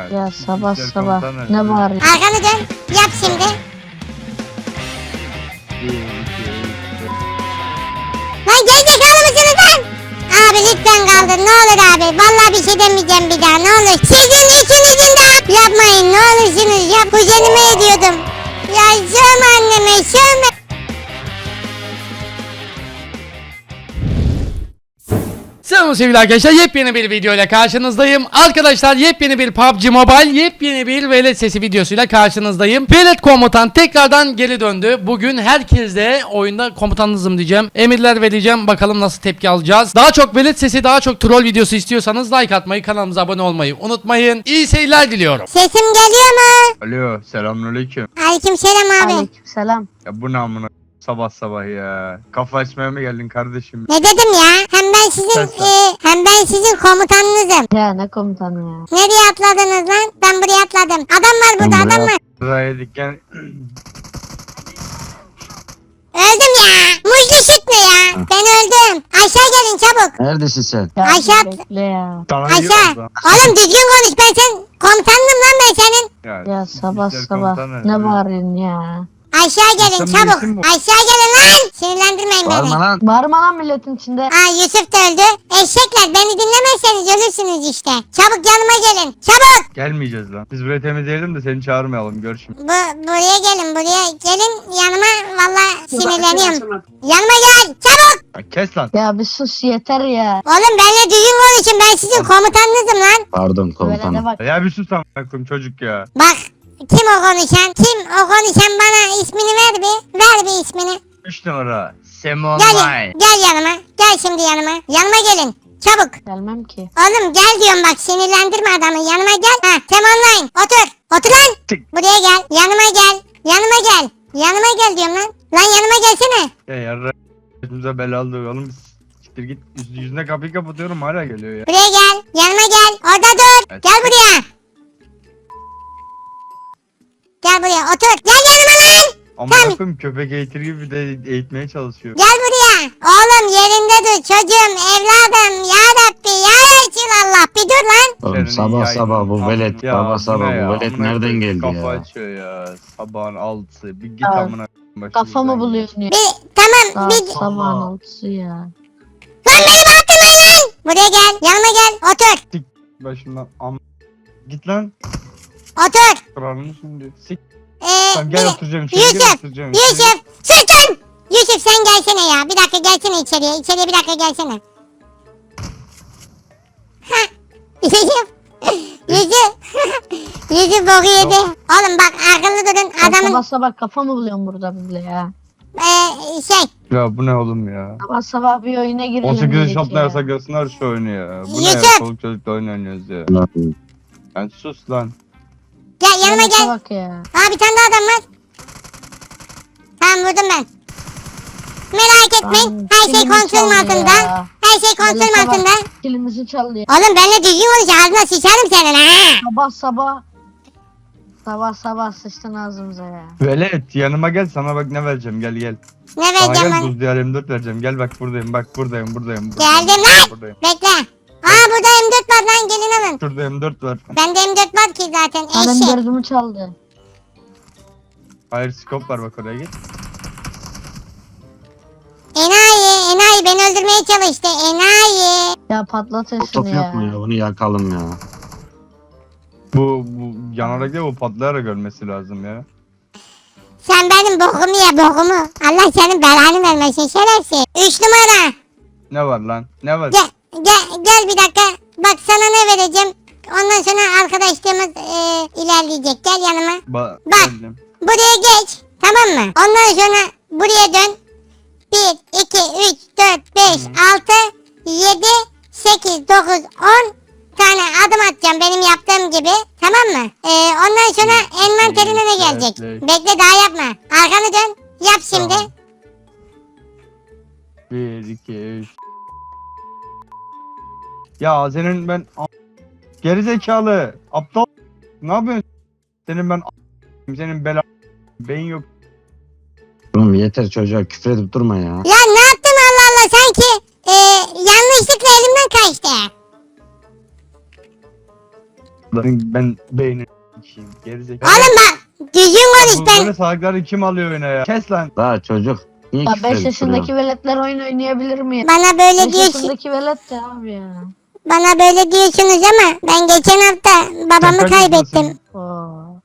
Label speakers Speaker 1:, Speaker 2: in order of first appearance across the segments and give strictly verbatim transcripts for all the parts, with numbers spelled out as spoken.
Speaker 1: Ya sabah
Speaker 2: İşler
Speaker 1: sabah
Speaker 2: komutanı.
Speaker 1: ne var ya?
Speaker 3: Arkanı dön. Yap şimdi.
Speaker 2: Bir, iki, üç,
Speaker 3: Lan gerizekalı mısınız lan? Abi lütfen kaldır ne olur abi. Vallahi bir şey demeyeceğim bir daha ne olur. Sizin ikinizin de yapmayın ne olursunuz yap. Kuzenime ediyordum. Ya sövme anneme sövme.
Speaker 4: Selam sevgili arkadaşlar, yepyeni bir video ile karşınızdayım. Arkadaşlar yepyeni bir P U B G Mobile, yepyeni bir velet sesi videosuyla karşınızdayım. Velet komutan tekrardan geri döndü. Bugün herkesle oyunda komutanınızım diyeceğim. Emirler vereceğim, bakalım nasıl tepki alacağız. Daha çok velet sesi, daha çok troll videosu istiyorsanız like atmayı, kanalımıza abone olmayı unutmayın. İyi seyirler diliyorum.
Speaker 3: Sesim geliyor mu?
Speaker 2: Alo, selamünaleyküm.
Speaker 3: Aleykümselam abi.
Speaker 1: Aleykümselam.
Speaker 2: Ya bu ne amına sabah sabah ya. Kafa açmaya mı geldin kardeşim?
Speaker 3: Ne dedim ya? Hem ben sizin
Speaker 2: Sen sen.
Speaker 3: e, hem ben sizin komutanınızım.
Speaker 1: Ya ne komutanı ya?
Speaker 3: Nereye atladınız lan? Ben buraya atladım. Adam var burada
Speaker 1: Ben
Speaker 3: adam
Speaker 1: buraya-
Speaker 3: var.
Speaker 2: Buraya dikken
Speaker 3: Öldüm ya. Muzlu süt mü ya? Ben öldüm. Aşağı gelin çabuk.
Speaker 5: Neredesin sen?
Speaker 1: Ya
Speaker 3: Aşağı-
Speaker 1: bekle ya.
Speaker 2: sana
Speaker 3: Aşağı.
Speaker 2: yiyoruz lan.
Speaker 3: Oğlum düzgün konuş ben sen komutanım lan ben senin.
Speaker 1: Ya sabah
Speaker 2: işler
Speaker 1: sabah
Speaker 2: komutanı.
Speaker 1: ne bağırıyorsun ya?
Speaker 3: Aşağı gelin
Speaker 2: Sen
Speaker 3: çabuk.
Speaker 2: bilirsin bu.
Speaker 3: Aşağı gelin lan. Sinirlendirmeyin beni.
Speaker 5: Bağırma lan.
Speaker 1: Bağırma lan milletin içinde.
Speaker 3: Aa Yusuf da öldü. Eşekler beni dinlemezseniz ölürsünüz işte. Çabuk yanıma gelin. Çabuk.
Speaker 2: Gelmeyeceğiz lan. Biz burayı temizleyelim de seni çağırmayalım. Gör şimdi.
Speaker 3: Bu buraya gelin buraya. Gelin yanıma valla sinirleniyorum. Yanıma gel. Çabuk.
Speaker 2: Ya kes lan.
Speaker 1: Ya bir sus yeter ya.
Speaker 3: Oğlum benimle düzgün konuşun. Ben sizin komutanınızım lan.
Speaker 5: Pardon
Speaker 1: Velede
Speaker 5: komutanım.
Speaker 1: bak.
Speaker 2: Ya bir sus amına koyayım çocuk ya.
Speaker 3: Bak. Kim o konuşan? Kim o konuşan bana ismini ver bir. Ver bir ismini.
Speaker 2: üç numara. Semon
Speaker 3: Gel,
Speaker 2: May.
Speaker 3: gel yanıma. Gel şimdi yanıma. Yanıma gelin. Çabuk.
Speaker 1: Gelmem ki.
Speaker 3: Oğlum gel diyorum bak sinirlendirme adamı. Yanıma gel. Ha tem online. Otur. Otur lan.
Speaker 2: Çık.
Speaker 3: Buraya gel. Yanıma gel. Yanıma gel. Yanıma gel diyorum lan. Lan yanıma gelsene.
Speaker 2: Ya yarra. Başımıza bela aldı oğlum. Siktir git. Yüz, yüzüne kapıyı kapatıyorum hala geliyor ya.
Speaker 3: Buraya gel. Yanıma gel. Orada dur.
Speaker 2: Evet.
Speaker 3: Gel buraya. Gel buraya otur. Gel yanıma lan.
Speaker 2: Amına koyayım köpek eğitir gibi de eğitmeye çalışıyor.
Speaker 3: Gel buraya. Oğlum yerinde dur çocuğum evladım. Ya Rabbi ya Resulallah. Bir dur lan.
Speaker 5: Oğlum
Speaker 2: Senin
Speaker 5: sabah
Speaker 2: yayın-
Speaker 5: sabah bu
Speaker 2: Amına-
Speaker 5: velet.
Speaker 2: Ya
Speaker 5: Sabah
Speaker 2: bu
Speaker 5: sabah
Speaker 2: ne ya?
Speaker 5: bu velet
Speaker 2: Amına
Speaker 5: nereden
Speaker 2: koyayım,
Speaker 5: geldi
Speaker 2: Kafa
Speaker 5: ya?
Speaker 2: açıyor ya. Sabahın altısı. Bir git
Speaker 1: Ya,
Speaker 2: amına koyayım
Speaker 1: Kafamı
Speaker 2: başımızdan ya.
Speaker 1: buluyorsun ya.
Speaker 3: Bir tamam
Speaker 1: Saat
Speaker 3: bir.
Speaker 1: sabahın altısı ya.
Speaker 3: Lan beni bıraktırmayın lan. Buraya gel. Yanıma gel. Otur.
Speaker 2: Başımdan am... Git lan.
Speaker 3: Otur.
Speaker 2: Kralını şimdi. Sik.
Speaker 3: Ee,
Speaker 2: Sen gel
Speaker 3: bir-
Speaker 2: oturacağım içeri gel
Speaker 3: Yusuf.
Speaker 2: oturacağım içeri.
Speaker 3: Yusuf. Sus lan. Yusuf sen gelsene ya. Bir dakika gelsene içeriye. İçeriye bir dakika gelsene. Ha. Yusuf. Yusuf. Yusuf boku yedi. Oğlum bak akıllı durun.
Speaker 1: Sen
Speaker 3: Adamın
Speaker 1: sabah sabah kafamı buluyorsun burada bile ya.
Speaker 3: ee, şey.
Speaker 2: Ya bu ne oğlum ya?
Speaker 1: Sabah sabah bir oyuna girelim.
Speaker 2: on sekiz yaş
Speaker 1: dedik
Speaker 2: altına
Speaker 1: ya.
Speaker 2: yasaklarsınlar şu oyunu ya. Bu ne ya?
Speaker 3: Yusuf.
Speaker 2: Çoluk çocukla oyun oynuyoruz ya.
Speaker 5: Lan,
Speaker 2: Sen sus lan.
Speaker 3: Gel yanıma
Speaker 1: Yalnız
Speaker 3: gel.
Speaker 1: bak ya.
Speaker 3: Aa bir tane daha adam var. Tamam vurdum ben. Merak etmeyin.
Speaker 1: Lan,
Speaker 3: Her şey
Speaker 1: kilimi
Speaker 3: kontrolüm
Speaker 1: çaldı
Speaker 3: altında.
Speaker 1: ya.
Speaker 3: Her şey kontrolüm
Speaker 1: Velete bak,
Speaker 3: altında.
Speaker 1: Kilimizi çaldı ya.
Speaker 3: Oğlum benimle düzgün konuş. Ağzına sıçarım senin ha.
Speaker 1: Sabah sabah. Sabah sabah sıçtın ağzımıza ya.
Speaker 2: Velet yanıma gel sana bak ne vereceğim gel gel.
Speaker 3: Ne
Speaker 2: Sana
Speaker 3: vereceğim
Speaker 2: gel
Speaker 3: lan?
Speaker 2: buz diyar M dört vereceğim gel bak buradayım bak buradayım buradayım. buradayım
Speaker 3: Geldim lan.
Speaker 2: Buradayım.
Speaker 3: Bekle. Aa burada M dört var lan gelin alın.
Speaker 2: Şurada M dört var.
Speaker 3: Bende M dört var ki zaten
Speaker 1: Benim
Speaker 3: eşek.
Speaker 1: dördümü çaldı.
Speaker 2: Hayır scope var bak oraya git.
Speaker 3: Enayi enayi beni öldürmeye çalıştı enayi.
Speaker 1: Ya patlatın şunu
Speaker 5: Top
Speaker 1: ya.
Speaker 5: yok mu ya? Bunu yakalım ya.
Speaker 2: Bu, bu yanarak değil bu patlayarak ölmesi lazım ya.
Speaker 3: Sen benim bokumu ye bokumu. Allah senin belanı vermesin şerefsiz. Üç numara.
Speaker 2: Ne var lan? Ne var?
Speaker 3: Gel gel gel bir dakika. Bak sana ne vereceğim. Ondan sonra arkadaşlığımız e, ilerleyecek. Gel yanıma.
Speaker 2: Ba
Speaker 3: Bak.
Speaker 2: geldim.
Speaker 3: Buraya geç. Tamam mı? Ondan sonra buraya dön. bir, iki, üç, dört, beş, altı, yedi, sekiz, dokuz, on tane adım atacağım benim yaptığım gibi. Tamam mı? Ee, ondan sonra envanterine ne gelecek?
Speaker 2: Evet, evet.
Speaker 3: Bekle daha yapma. Arkanı dön. Yap şimdi.
Speaker 2: Tamam. Bir, iki, üç. Ya senin ben a- gerizekalı aptal ne yapıyorsun? Senin ben a- senin bela beyin yok.
Speaker 5: Oğlum yeter çocuğa küfür edip durma ya.
Speaker 3: Ya ne yaptım Allah Allah sanki e, yanlışlıkla elimden kaçtı.
Speaker 2: Ben beynini s**eyim. Gerizekalı.
Speaker 3: Oğlum bak düzgün konuş
Speaker 2: Bu
Speaker 3: ben.
Speaker 2: böyle salakları kim alıyor oyuna ya? Kes lan.
Speaker 5: Daha çocuk. Niye
Speaker 1: Ya
Speaker 5: küfür
Speaker 1: beş
Speaker 5: edip
Speaker 1: yaşındaki
Speaker 5: duruyorsun?
Speaker 1: veletler oyun oynayabilir mi ya?
Speaker 3: Bana böyle
Speaker 1: beş
Speaker 3: diyorsun.
Speaker 1: yaşındaki velet de abi ya.
Speaker 3: Bana böyle diyorsunuz ama ben geçen hafta babamı
Speaker 2: Sen kaç
Speaker 3: kaybettim.
Speaker 2: yaşındasın?
Speaker 1: Oo.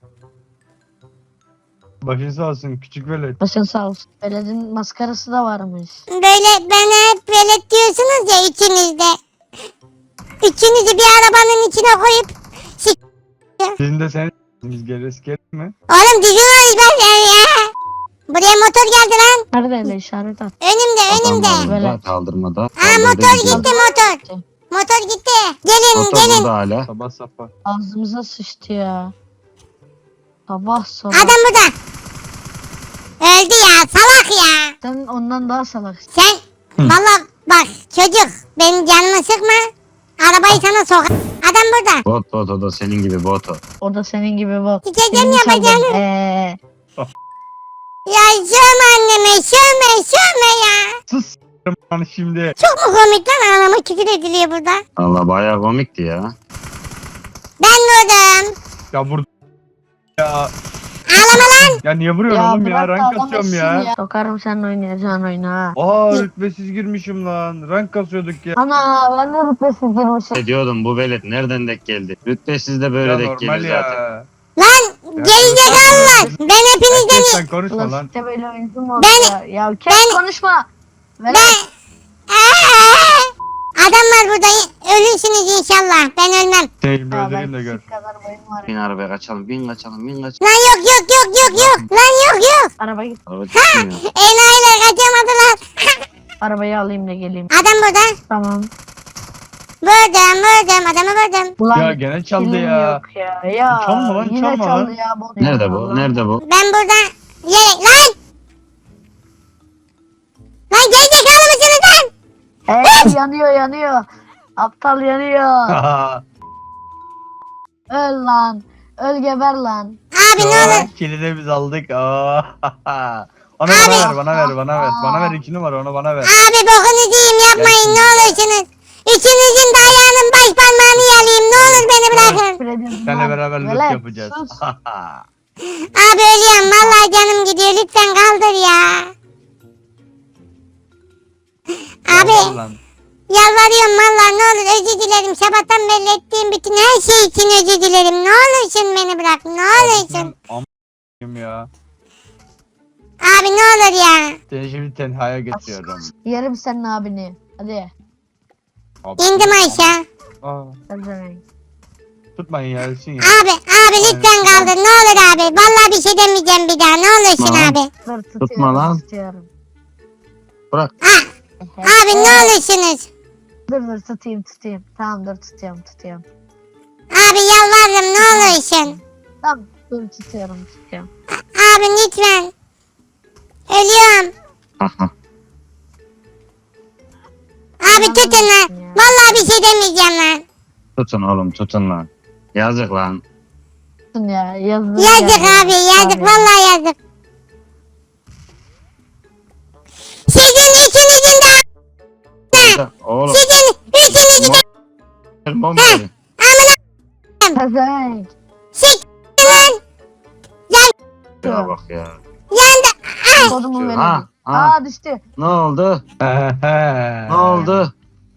Speaker 2: Başın sağ olsun küçük velet.
Speaker 1: Başın sağ olsun. Veletin maskarası da varmış.
Speaker 3: Böyle bana hep velet diyorsunuz ya ikiniz de. Üçünüzü bir arabanın içine koyup sik...
Speaker 2: Sizin de seni biz geliriz gelin mi?
Speaker 3: Oğlum düzgün konuş ben sen ya. Buraya motor geldi lan.
Speaker 1: Nerede öyle işaret at.
Speaker 3: Önümde önümde.
Speaker 5: Adamlar
Speaker 1: Böyle.
Speaker 5: burada, kaldırmada.
Speaker 3: Aa
Speaker 5: Kaldırdı
Speaker 3: motor
Speaker 5: gidiyor.
Speaker 3: gitti motor. Motor gitti. Gelin
Speaker 5: Motor
Speaker 3: gelin.
Speaker 5: burada hala.
Speaker 2: Sabah sabah.
Speaker 1: Ağzımıza sıçtı ya. Sabah sabah.
Speaker 3: Adam burada. Öldü ya salak ya.
Speaker 1: Sen ondan daha salaksın.
Speaker 3: Sen valla bak çocuk benim canımı sıkma. Arabayı sana sok. Adam burada.
Speaker 5: Bot bot o da senin gibi bot o.
Speaker 1: O da senin gibi bak.
Speaker 3: Sikeceğim
Speaker 1: Birini çaldım.
Speaker 3: yapacağını.
Speaker 1: Eee.
Speaker 3: Ya sövme anneme sövme sövme ya.
Speaker 2: Sus s**erim lan şimdi.
Speaker 3: Çok mu komik lan anama küfür ediliyor burada.
Speaker 5: Allah bayağı komikti ya.
Speaker 3: Ben vurdum.
Speaker 2: Ya burada ya.
Speaker 3: Ağlama lan.
Speaker 2: Ya niye vuruyorsun oğlum ya?
Speaker 1: bırak da
Speaker 2: Rank kasıyorum
Speaker 1: alamazsın
Speaker 2: ya.
Speaker 1: Sokarım seninle oynayacağın oyuna.
Speaker 2: Aa rütbesiz girmişim lan. Rank kasıyorduk ya.
Speaker 1: Ana ben de rütbesiz girmişim.
Speaker 5: Ne diyordum bu velet nereden denk geldi? Rütbesiz de böyle
Speaker 2: Ya
Speaker 5: denk
Speaker 2: normal
Speaker 5: geliyor zaten.
Speaker 2: ya.
Speaker 3: Lan gerizekalılar. Ben hepinizden
Speaker 2: Sen konuşma
Speaker 1: Ulan
Speaker 2: lan.
Speaker 1: işte böyle oyuncu mu olur
Speaker 3: Ben-
Speaker 1: ya? Ya kes
Speaker 3: ben-
Speaker 1: konuşma. Ver.
Speaker 3: ben... Adamlar burada ölürsünüz inşallah. Ben ölmem.
Speaker 2: Seni bir
Speaker 1: Ya
Speaker 2: öldüreyim
Speaker 1: ben
Speaker 2: de gör.
Speaker 1: küçük kadar boyum var.
Speaker 5: Bin arabaya kaçalım bin kaçalım bin kaçalım.
Speaker 3: Lan yok yok yok yok yok. Lan yok yok.
Speaker 1: Araba git.
Speaker 5: Araba çıkmıyor.
Speaker 3: Enayiler kaçamadılar.
Speaker 1: Arabayı alayım da geleyim.
Speaker 3: Adam burada.
Speaker 1: Tamam.
Speaker 3: Vurdum vurdum adamı vurdum.
Speaker 1: Ulan
Speaker 2: Ya gene çaldı
Speaker 1: kilim
Speaker 2: ya.
Speaker 1: Yok ya. Ya
Speaker 2: Çalma lan,
Speaker 1: yine
Speaker 2: çalma
Speaker 1: çaldı
Speaker 2: lan.
Speaker 1: ya. bot
Speaker 5: Nerede
Speaker 1: ya,
Speaker 5: bu?
Speaker 1: Allah.
Speaker 5: Nerede bu?
Speaker 3: Ben burada yere lan. Lan gerizekalı mısınız lan?
Speaker 1: Hey, yanıyor yanıyor. Aptal yanıyor. Öl lan. Öl geber lan.
Speaker 3: Abi ne olur.
Speaker 2: Kilidi biz aldık. Aa. Onu bana ver, bana ver, bana ver. Bana ver iki numara, onu bana ver.
Speaker 3: Abi bokunuzu yiyeyim yapmayın ne olursunuz. Üçünüzün de ayağının baş parmağını yalayayım ne olur beni bırakın.
Speaker 1: Fred'im
Speaker 2: Seninle
Speaker 1: lan.
Speaker 2: beraber loot
Speaker 1: Velet,
Speaker 2: yapacağız.
Speaker 1: sus.
Speaker 3: Abi ölüyorum vallahi canım gidiyor lütfen kaldır ya. Abi
Speaker 2: Yalvar lan.
Speaker 3: yalvarıyorum vallahi ne olur özür dilerim. Sabahtan belli ettiğim bütün her şey için özür dilerim. Ne olursun beni bırak ne olursun.
Speaker 2: Am ya.
Speaker 3: Abi ne olur ya.
Speaker 2: Seni şimdi tenhaya getiriyorum.
Speaker 1: Yerim senin abini. Hadi.
Speaker 2: Abi,
Speaker 3: İndim aşağı.
Speaker 2: Aa,
Speaker 1: Sen de.
Speaker 2: tutmayın ya, ölsün ya.
Speaker 3: Abi abi lütfen kaldır ne olur abi. Vallahi bir şey demeyeceğim bir daha ne olursun
Speaker 5: Tamam.
Speaker 3: abi.
Speaker 1: Dur tutuyorum.
Speaker 5: Tutma lan.
Speaker 1: Tutuyorum.
Speaker 5: Bırak.
Speaker 3: Ah, abi ne olursunuz.
Speaker 1: Dur dur tutayım tutayım. Tamam dur tutuyorum tutuyorum.
Speaker 3: Abi yalvarırım ne olursun.
Speaker 1: Tamam dur tutuyorum tutuyorum.
Speaker 3: Abi lütfen. Ölüyorum. Abi tutun lan. Vallahi bir şey demeyeceğim lan.
Speaker 5: Tutun oğlum tutun lan. Yazık lan.
Speaker 1: Tutun ya yazdım.
Speaker 3: Yazık abi yazık vallahi yazık. Sizin üçünüzün de
Speaker 5: Orada- Oğlum.
Speaker 3: sizin üçünüzün de
Speaker 5: Bomba verin.
Speaker 1: Pezevenk.
Speaker 3: sik lan.
Speaker 5: Ya bak ya.
Speaker 3: Yandı.
Speaker 1: Kodumu verin.
Speaker 5: Ha, ha.
Speaker 1: Aa düştü.
Speaker 5: Ne oldu? Ne oldu?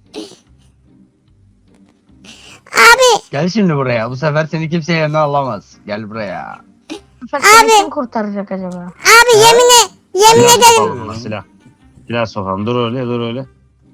Speaker 3: Abi
Speaker 2: Gel şimdi buraya. Bu sefer seni kimse yerine alamaz. Gel buraya.
Speaker 1: Bu sefer
Speaker 3: Abi.
Speaker 1: kim kurtaracak acaba?
Speaker 3: abi yemin e- yemin
Speaker 5: Silah
Speaker 3: ederim.
Speaker 5: sokalım ona, silah. Silah sokalım. Dur öyle dur öyle.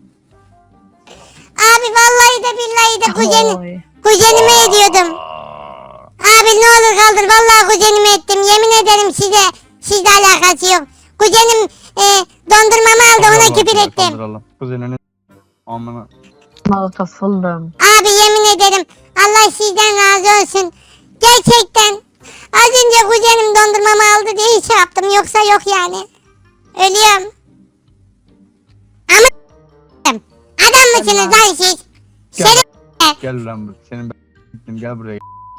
Speaker 3: Abi vallahi de billahi de kuzenim,
Speaker 1: Oy.
Speaker 3: kuzenime ediyordum. Abi ne olur kaldır vallahi kuzenime ettim. Yemin ederim size sizle alakası yok. Kuzenim e, dondurmamı aldı ona küfür ettim.
Speaker 2: Kaldıralım. Kuzenini. Amına.
Speaker 1: Molotof buldum.
Speaker 3: Abi yemin ederim Allah sizden razı olsun. Gerçekten az önce kuzenim dondurmamı aldı diye şey yaptım yoksa yok yani. Ölüyorum. Ama adam mısınız lan siz?
Speaker 2: Gel.
Speaker 3: Şerif
Speaker 2: Gel lan buraya. Senin ben gel buraya.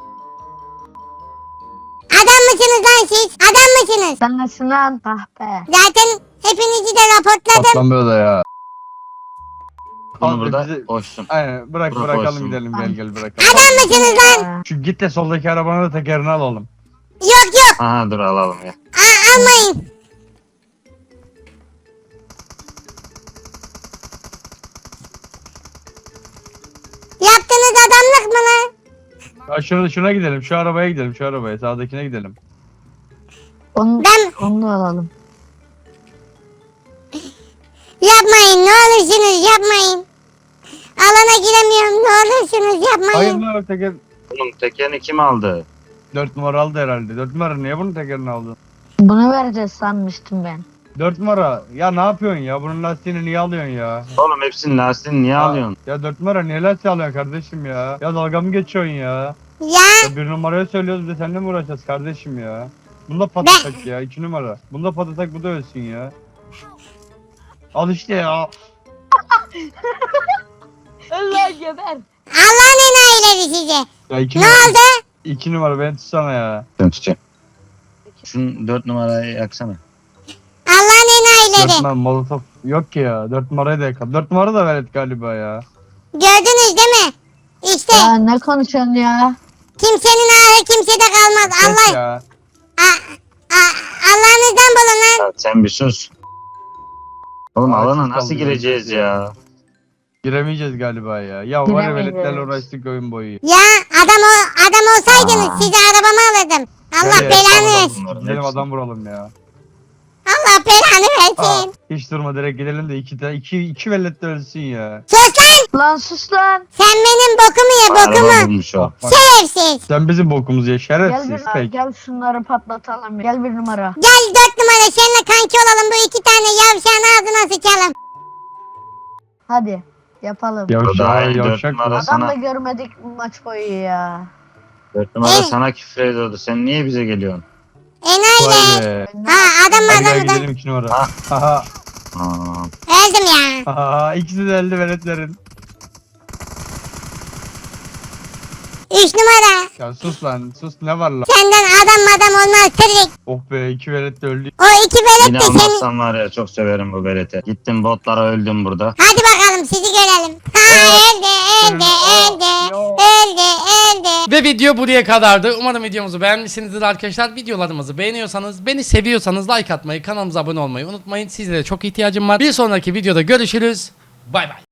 Speaker 3: adam mısınız lan siz? Adam mısınız?
Speaker 1: Sen nesin lan? Ah be.
Speaker 3: Zaten hepinizi de raportladım.
Speaker 2: Atlan be o da ya.
Speaker 5: bunu
Speaker 2: Abi
Speaker 5: burada
Speaker 2: bizi-
Speaker 5: koşsun.
Speaker 2: Aynen bırak
Speaker 5: Bırak
Speaker 2: bırakalım
Speaker 5: olsun.
Speaker 2: gidelim gel gel bırakalım.
Speaker 3: Adam mısınız lan?
Speaker 2: Şu git de soldaki arabanın da tekerini alalım.
Speaker 3: Yok yok.
Speaker 5: Aha dur alalım ya.
Speaker 3: Aa, almayın. Yaptığınız adamlık mı lan?
Speaker 2: Ya şuna, şuna gidelim şu arabaya gidelim şu arabaya sağdakine gidelim.
Speaker 1: Onu,
Speaker 3: Ben
Speaker 1: onu da alalım.
Speaker 3: yapmayın ne olursunuz yapmayın. Alana giremiyorum ne olursunuz
Speaker 2: Hayır
Speaker 3: yapmayın.
Speaker 2: lan teker
Speaker 5: Oğlum tekerini kim aldı?
Speaker 2: dört numara aldı herhalde. dört numara niye bunun tekerini aldın?
Speaker 1: Bunu vereceğiz sanmıştım ben.
Speaker 2: dört numara ya ne yapıyorsun ya bunun lastiğini niye alıyorsun ya?
Speaker 5: Oğlum hepsinin lastiğini niye alıyorsun?
Speaker 2: Ya dört numara niye lastiği alıyorsun kardeşim ya? Ya dalga mı geçiyorsun ya?
Speaker 3: Ya
Speaker 2: Ya bir numaraya söylüyoruz bir de seninle mi uğraşacağız kardeşim ya? Bunda patlatak ya iki numara. Bunda patlatak bu da ölsün ya. Al işte ya.
Speaker 1: Allah geber.
Speaker 3: Allah'ın enayileri size.
Speaker 2: Ya iki
Speaker 3: Ne
Speaker 2: numara.
Speaker 3: oldu?
Speaker 2: iki numara beni tutsana ya.
Speaker 5: Ben tutacağım. Şunu dört numarayı yaksana.
Speaker 3: Allah'ın
Speaker 2: dört
Speaker 3: enayileri.
Speaker 2: numara molotof yok ki ya. dört numarayı da yakal. dört numara da velet galiba ya.
Speaker 3: Gördünüz değil mi? İşte
Speaker 1: Ya ne konuşuyorsun ya?
Speaker 3: kimsenin ağrı kimsede kalmaz.
Speaker 2: Kes
Speaker 3: Allah
Speaker 2: ya.
Speaker 3: A- a- Allah'ınızdan bulun lan.
Speaker 5: Ya sen bir sus. Oğlum
Speaker 2: Aa,
Speaker 5: alana
Speaker 2: siz
Speaker 5: nasıl
Speaker 2: kaldınız.
Speaker 5: gireceğiz ya?
Speaker 2: Giremeyeceğiz galiba ya. Ya var ya
Speaker 1: Giremeyeceğiz.
Speaker 2: veletlerle uğraştık oyun boyu.
Speaker 3: Ya adam o adam olsaydınız
Speaker 5: Aa.
Speaker 3: size arabamı alırdım. Allah
Speaker 2: Nereye?
Speaker 3: belanı
Speaker 2: Tamam,
Speaker 3: versin.
Speaker 5: Bunların
Speaker 2: Gidelim
Speaker 5: hepsi.
Speaker 2: adam vuralım ya.
Speaker 3: Allah belanı
Speaker 2: Aa,
Speaker 3: versin.
Speaker 2: hiç durma direkt gidelim de iki, de- iki, iki velet de ölsün ya.
Speaker 3: Sus lan.
Speaker 1: Lan sus lan.
Speaker 3: Sen benim bokumu ye
Speaker 5: Araba
Speaker 3: bokumu.
Speaker 5: bulmuş o.
Speaker 2: Bak, bak.
Speaker 3: Şerefsiz.
Speaker 2: Sen bizim bokumuzu ye
Speaker 1: Gel
Speaker 2: şerefsiz
Speaker 1: bir
Speaker 2: tek.
Speaker 1: gel şunları patlatalım. Gel bir numara.
Speaker 3: Gel dört numara seninle kanki olalım. Bu iki tane yavşağın ağzına sıçalım.
Speaker 1: Hadi yapalım.
Speaker 2: Yavşak,
Speaker 5: Daha iyi dört
Speaker 2: yavşak.
Speaker 5: numara
Speaker 1: Adam da
Speaker 5: sana.
Speaker 1: görmedik maç boyu ya.
Speaker 5: Dört numara
Speaker 3: Eh.
Speaker 5: sana küfür ediyordu. Sen niye bize geliyorsun?
Speaker 3: Enayiler.
Speaker 2: Vay be.
Speaker 3: Ha adam
Speaker 2: Hadi gel
Speaker 3: adamı da.
Speaker 2: gidelim iki numara.
Speaker 5: Ha.
Speaker 2: Haha.
Speaker 5: Aa,
Speaker 3: Öldüm ya.
Speaker 2: Haha. İkisi de elde veletlerin.
Speaker 3: Üç numara.
Speaker 2: Ya sus lan sus ne var lan.
Speaker 3: Senden adam adam olmaz tırrik.
Speaker 2: Oh be iki velet de öldü.
Speaker 3: O iki velet
Speaker 5: yine
Speaker 3: de seni.
Speaker 5: almazsan var ya çok severim bu berete. Gittim botlara öldüm burada.
Speaker 3: Hadi bakalım sizi görelim. Ha öldü öldü öldü. Öldü öldü.
Speaker 4: Ve video buraya kadardı. Umarım videomuzu beğenmişsinizdir arkadaşlar. Videolarımızı beğeniyorsanız, beni seviyorsanız like atmayı, kanalımıza abone olmayı unutmayın. Sizlere çok ihtiyacım var. Bir sonraki videoda görüşürüz. Bay bay.